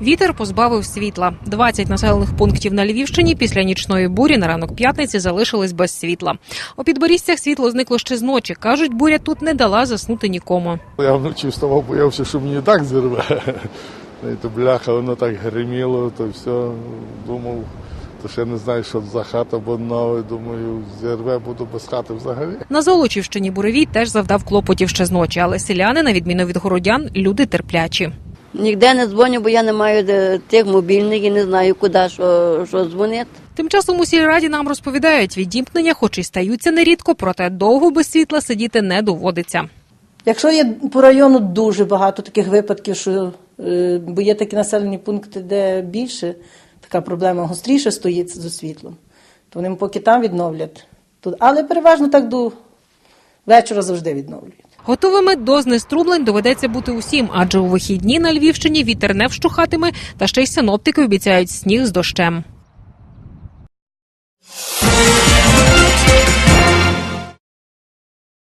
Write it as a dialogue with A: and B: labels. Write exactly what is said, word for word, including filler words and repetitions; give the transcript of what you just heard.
A: Вітер позбавив світла. двадцять населених пунктів на Львівщині після нічної бурі на ранок п'ятниці залишились без світла. У Підборізцях світло зникло ще з ночі. Кажуть, буря тут не дала заснути нікому.
B: Я вночі вставав, боявся, що мені і так зірве. То бляха, воно так гриміло, то все. Думав, то ще не знаю, що за хата, бо нове, думаю, зірве, буду без хати взагалі.
A: На Золочівщині буревій теж завдав клопотів ще з ночі, але селяни, на відміну від городян, люди терплячі.
C: Ніде не дзвоню, бо я не маю тих мобільних і не знаю, куди, що, що дзвонити.
A: Тим часом у сільраді нам розповідають, відімкнення хоч і стаються нерідко, проте довго без світла сидіти не доводиться.
D: Якщо є по району дуже багато таких випадків, що, бо є такі населені пункти, де більше така проблема гостріше стоїть з світлом, то вони поки там відновлять. Але переважно так до вечора завжди відновлюють.
A: Готовими до знеструблень доведеться бути усім, адже у вихідні на Львівщині вітер не вщухатиме, та ще й синоптики обіцяють сніг з дощем.